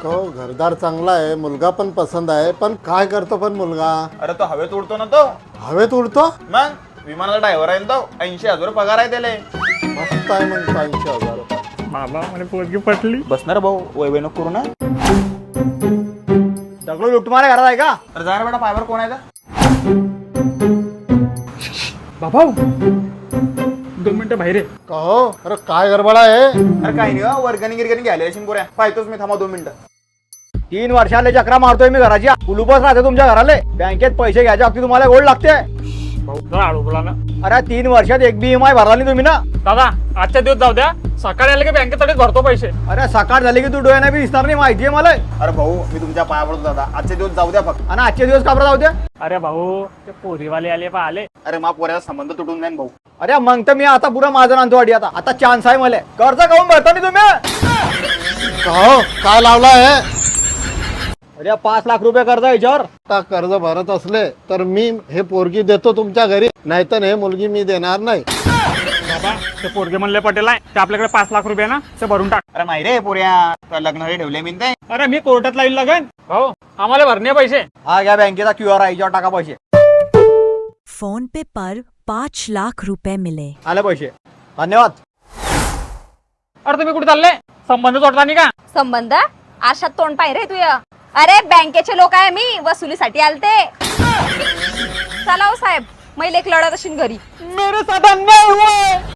हो घरदार चांगला आहे, मुलगा पण पसंत आहे, पण काय करतो पण मुलगा? अरे तो हवेत उडतो ना तो. हवेत उडतो? मग विमानाचा ड्रायव्हर आहे ना तो. 80,000 पगार आहे त्याला. मस्त आहे मग 80,000 रुपये. बाबा मला पोरगी पटली. बसणार भाऊ वैभव नको करू ना. दगडू लुटमारे घरात आहे का? अरे जा रे बेटा पायवर कोण आहे का? बाबा 2 मिनिटं बाहेर आहे. का हो? अरे काय गडबड आहे? अरे काही नाही वर्गणी गिरगणी घ्यायला येशील पोऱ्या. पाहतोच मी, थांबा 2 मिनिटं. 3 वर्षाले चक्रा मारतोय मी घराची. कुलूपच राहते तुमच्या घराले. बँकेत पैसे घ्यायच्या अगदी तुम्हाला गोड लागते. भाऊ जरा अडवला ना. अरे 3 वर्षात एक बी EMI भरला नाही तुम्ही ना. दादा आजच्या दिवस जाऊ द्या, सकाळी आले की बँकेतच भरतो पैसे. अरे सकाळ झाली की तू डोळ्याने बी दिसणार नाही, माहितीये मला. अरे भाऊ मी तुमच्या पाया पडतो दादा. आजचे दिवस जाऊ द्या फक्त. आणि आजचे दिवस काबरा जाऊ द्या. अरे भाऊ ते पोरीवाले आले पा आले. अरे मा पोऱ्याचा संबंध तुटून जाईन भाऊ. अरे मग तर मी आता पुरा माझं आणतो वाडी. आता चान्स आहे मला. कर्ज काऊन भरता नाही तुम्ही? का हो? काय लावला आहे? अरे 5 लाख रुपये कर्ज याच्यावर. आता कर्ज भरत असले तर मी हे पोरगी देतो तुमच्या घरी, नाहीतर हे मुलगी मी देणार नाही. बाबा ते पोरगे म्हणले पटेल आहे ते आपल्याकडे 5 लाख रुपये ना ते भरून टाक. अरे माहिती रे पोऱ्या तर लग्नासाठी ठेवले मी ते. अरे मी कोर्टात लाईन लागेन भाऊ, आम्हाला भरणे पैसे. हा घ्या बँकेचा QR आहे, याच्यावर टाका पैसे. फोन पे पर 5 लाख रुपए मिले। आले पैसे, धन्यवाद. अरे तुम्ही कुठे चालले? संबंध तोडता नाही का? संबंध आशात तोंड पाय रे तुया. अरे बँकेचे लोक आहे, मी वसुलीसाठी आलते. चला हो साहेब, मैले एक लढत असेल घरी. मेरे साथ अन्याय हुआ है.